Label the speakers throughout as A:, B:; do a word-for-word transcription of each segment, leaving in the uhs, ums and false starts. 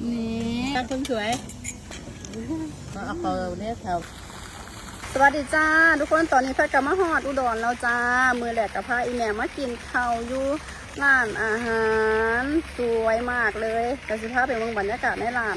A: นี่ตาคนสวยมาเอาเขาเนี่ยแถว
B: สวัสดีจ้าทุกคนตอนนี้แพทย์กลับมาฮอดอุดรแล้วจ้ามือแหลกกับพาอีแม่มากินข้าวอยู่ร้านอาหารสวยมากเลยแต่สิพาไปเบิ่งบรรยากาศในร้าน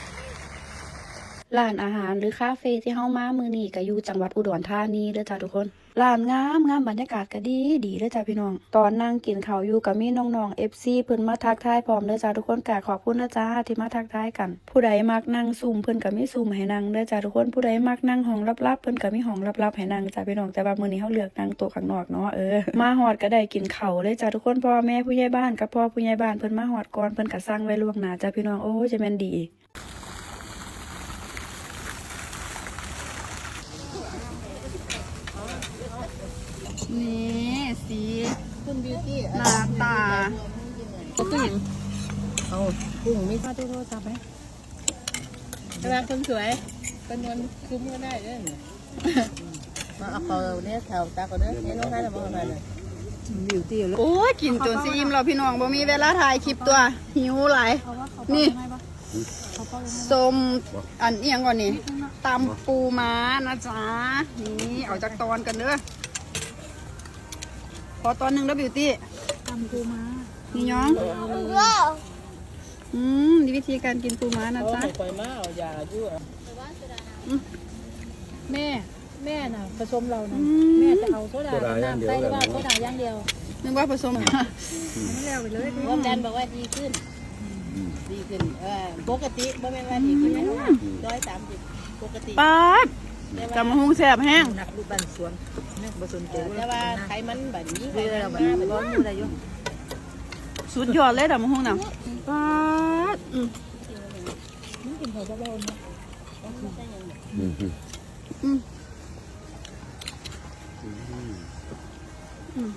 B: ร้านอาหารหรือคาเฟ่ที่เฮามามื้อนี้ก็อยู่จังหวัดอุดรธานีเด้อจ้าทุกคนร้านงามงามบรรยากาศก็ดีดีเด้อจ้าพี่น้องตอนนั่งกินข้าวอยู่ก็มีน้องๆ เอฟ ซี เพิ่นมาทักทายพร้อมเด้อจ้าทุกคนก็ขอบคุณนะจ้าที่มาทักทายกันผู้ใดมักนั่งซุ่มเพิ่นก็มีซุ่มให้นั่งเด้อจ้าทุกคนผู้ใดมักนั่งห้องลับๆเพิ่นก็มีห้องลับๆให้นั่งจ้าพี่น้องแต่ว่ามื้อนี้เฮาเลือกนั่งโต๊ะข้างนอกเนาะเออมาฮอดก็ได้กินข้าวเลยจ้าทุกคนพ่อแม่ผู้ใหญ่บ้านกับพ่อผู้ใหญ่บ้านเพิ่นมาฮอดก่อนเพิ่นก็สั่งไว้ล่วงหน้าจ้าพี่น้องโอ้จะแม่นดีนี่สี
A: คุณบิวตี้
B: หน้าตา
A: กุ้งเอากุ้งมีข้าวโทษจับไหมเวลาคนสวยเป็นวันคุ้มก็ได้ด้วยมาเอาเขาเนี่ยแถวตาเขาเนี่ยนี่น้องให้เราบอกอะไรเลยบิวตี้เลย
B: โอ้ยกินจนซีอิ่มเราพี่น้องบ่มีเวลาถ่ายคลิปตัวหิวหลายนี่ส้มอันเอียงก่อนนี่ตำปูม้านะจ๊ะนี่เอาจากตอนกันเด้อพอตอนหนึ่งแล้วบิวตี้
C: ตำปูม้า
B: นี่ย้องอืมนี่วิธีการกินปูม้านะจ๊ะ
A: ปล่อยม้าเอายาด้วย
C: แม่แม่น่ะผสมเรานะแม่จะเอาโซดาน้ำใส่หรือว่าโซดาอย่างเดียว
B: นึกว่าผสม
C: ไม่แล้วไปเลย
A: ความดันบอกว่าดีขึ้นดีขึ้นเออปกติบ่แม่นว่าดีขึ้นนะร้อยสามสิบปกติ
B: ป๊าดจำมะฮุงแซ่บแห้ง
C: หนักลูกบันสวนนี่ผสมเจ
A: แต่ว่าไขมันแบบนี้ไขมัน
C: มาแบบร้อนมืออะไรอยู่
B: สุดยอดเลยจำมะฮุงน่ะป๊าดอืม
C: นี่กินหัวเบาๆนะ
B: อืมอืมอืม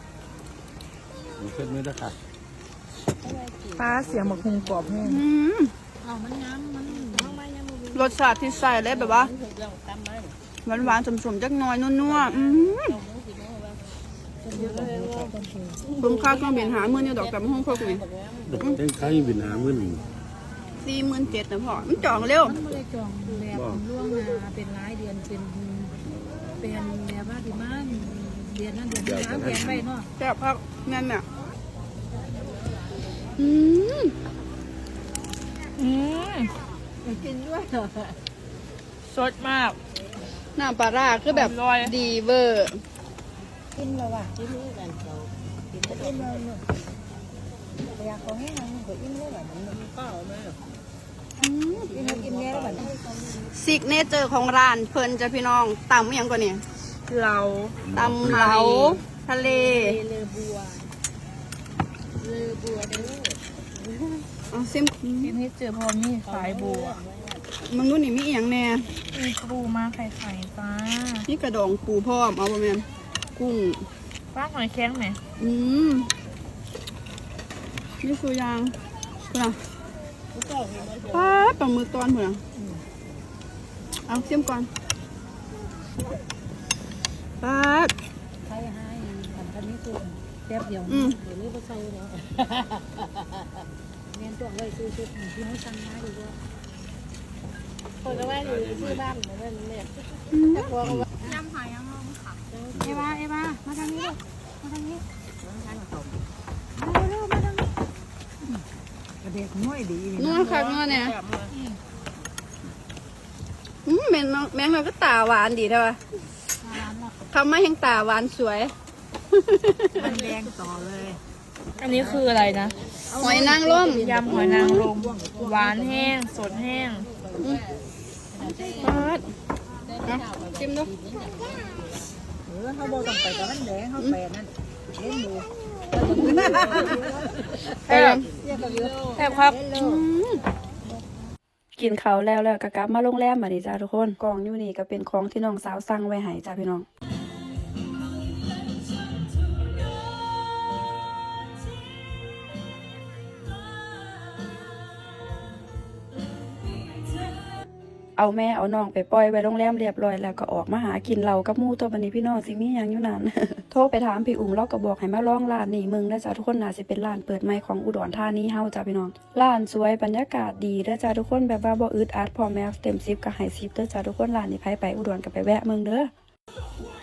D: ขึ้นไม่ได้ค่ะ
C: ปลาเสียงหมกหุงกรอบแห้ง
A: เอามันน้ำมัน
B: รสชาติที่ใส่เลยแบบว่าหวานหวานสมๆจักหน่อยนัวๆอืมคุ้มค่าเครื่องบินหาเมื่อนี่ดอกจำมะฮุงพวกนี้
D: ดอกเต้นข้าวบินหาเมื่อหนึ่ง
B: สี่หมื่นเจ็ดนะพ่อมันจองเร็ว
C: มันไม่ได้จองแบบล่วงมาเป็นรายเดือนเป็นเป็นแบบว่าที่มันเดือนนั้นเดือนนี้น้ำแข็งไปเนาะ
B: แซ่บครับนั่นน่ะอืม
C: อืมกินด้วยสดมาก
B: น้ำปลาร้าคือแบบดีเวอร์
C: กินแล้วว่ะกินด้วยกันเรากินกินเลยเนาะอยากขอให้ทางมันก็อิ่มเลยแบบนั้น
A: ข้าวไหม
C: กินแล้วกินแน่แล้วแบบ
B: ซิกเนเจอร์ของร้านเพิ่นจะพี่น้องตำอย่างกว่านี้
C: เรา
B: ตำเหลาทะเล
C: เรือบัวเรือบัวเด้อ
B: เอาซิม
C: กินให้เจอพอมีสายบัว
B: มึงนู่นนี่มีอย่างแน่
C: มีปูมาไข่ไข่จ้า
B: นี่กระดองปูพร้อมเอาประมาณกุ้ง
C: ป้าหอยแข็งไหม
B: อืมนี่คือยางนะป้าปลาหมึกตอนเหมือนเอาเสียมก่อนป้า
C: ใช่ให้ทำทันนี้ตัวแป๊บเดียวเดี๋ยวนี้ก็ใส่แล้วเงี้ยตัวไว้ซื้อชุดที่ให้สั่งมาดีกว่า
A: คนก็ว่าอยู่ที่บ้านเหมือนกันเนี่ย
B: แต่พ
C: อยำหอยยำลมค่ะเอวาเอวามาทางนี้ลูกมาทางนี้เร็วๆมาทางนี้กระเด็กน้อยดี
B: นัวค่ะนัวเนี่ยอืมแมงแมงเราก็ตาหวานดีใช่ป่ะทำมาแห่งตาหวานสวย
C: มันแดงต่อเลยอันนี้คืออะไรนะ
B: หอยนางรม
C: ยำหอยนางรมหวานแห้งสดแห้ง
B: ปัดชิมดู
C: เออเขาบอกต้องไปกับมันแดงเขาแปดนั่นเล่นดู
B: แซ่บแซ่บครับกินเขาแล้วแล้วก็กลับมาโรงแรมมาดิจ้าทุกคนกล่องอยู่นี่ก็เป็นของที่น้องสาวสั่งไว้ให้จ้าพี่น้องเอาแม่เอาน้องไปปล่อยไว้โรงแรมเรียบร้อยแล้วก็ออกมาหากินเหล้ากับหมู่ตัวบัดนี้พี่น้องสิมีหยังอยู่นั่น โทรไปถามพี่อุ้มเราก็บอกให้มาลองร้านนี้มึงนะจ๊ะทุกคนน่าสิเป็นร้านเปิดใหม่ของอุดรธานีเฮาจ้ะพี่น้องร้านสวยบรรยากาศดีเด้อจ้ะทุกคนแบบว่าบ่อึดอัดพอแม่เต็มสิบก็ให้สิบเด้อจ้ะทุกคนร้านนี้ไผไปอุดรก็ไปแวะมึงเด้อ